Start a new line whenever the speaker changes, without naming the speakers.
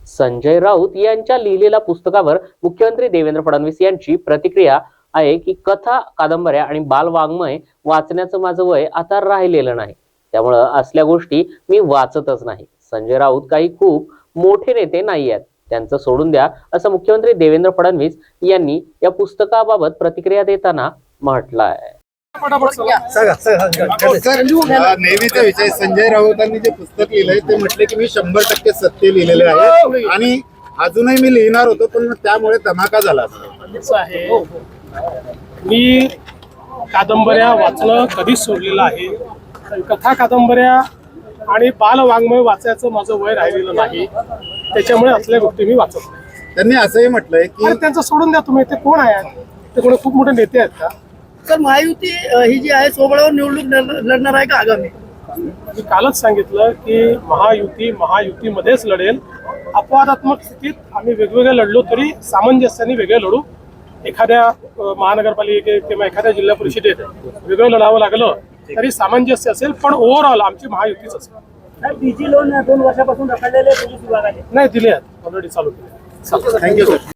संजय राऊत यांच्या लिहिलेल्या पुस्तकावर मुख्यमंत्री देवेंद्र फडणवीस यांची प्रतिक्रिया आहे की कथा, कादंबऱ्या आणि बालवाङ्मय वाचण्याचं माझं वय आता राहिलेलं नाही, त्यामुळे असल्या गोष्टी मी वाचतच नाही. संजय राऊत काही खूप मोठे नेते नाही आहेत, त्यांचं सोडून द्या, असं मुख्यमंत्री देवेंद्र फडणवीस यांनी या पुस्तकाबाबत प्रतिक्रिया देताना म्हटलं आहे.
नेहमीचा विषय, संजय राऊतांनी जे पुस्तक लिहिलंय ते म्हटले की मी 100% सत्य लिहिलेले आहे आणि अजूनही मी लिहिणार होतो, पण त्यामुळे धमाका झाला.
मी कादंबऱ्या वाचणं कधीच सोडलेलं आहे. कथा, कादंबऱ्या आणि बालवाङ्मय वाचायचं माझं वय राहिलेलं नाही, त्याच्यामुळे असल्या गोष्टी मी वाचत नाही.
त्यांनी असंही म्हटलंय की
त्यांचं सोडून द्या तुम्ही. ते कोण आहेत? ते कोणी खूप मोठे नेते आहेत का?
तर महायुती ही जी आहे सोबळावर निवडणूक लढणार आहे का आगामी?
मी कालच सांगितलं की महायुतीमध्येच लढेल. अपवादात्मक स्थितीत आम्ही वेगवेगळे लढलो तरी सामंजस्याने वेगळे लढू. एखाद्या महानगरपालिकेत किंवा एखाद्या जिल्हा परिषदेत वेगळं लढावं लागलं तरी सामंजस्य असेल, पण ओव्हरऑल आमची महायुतीच असेल.
डीजी लोन 2 वर्षापासून रखडलेले पोलीस विभागाने
नाही दिले आहेत, ऑलरेडी चालू केले.
Thank you sir.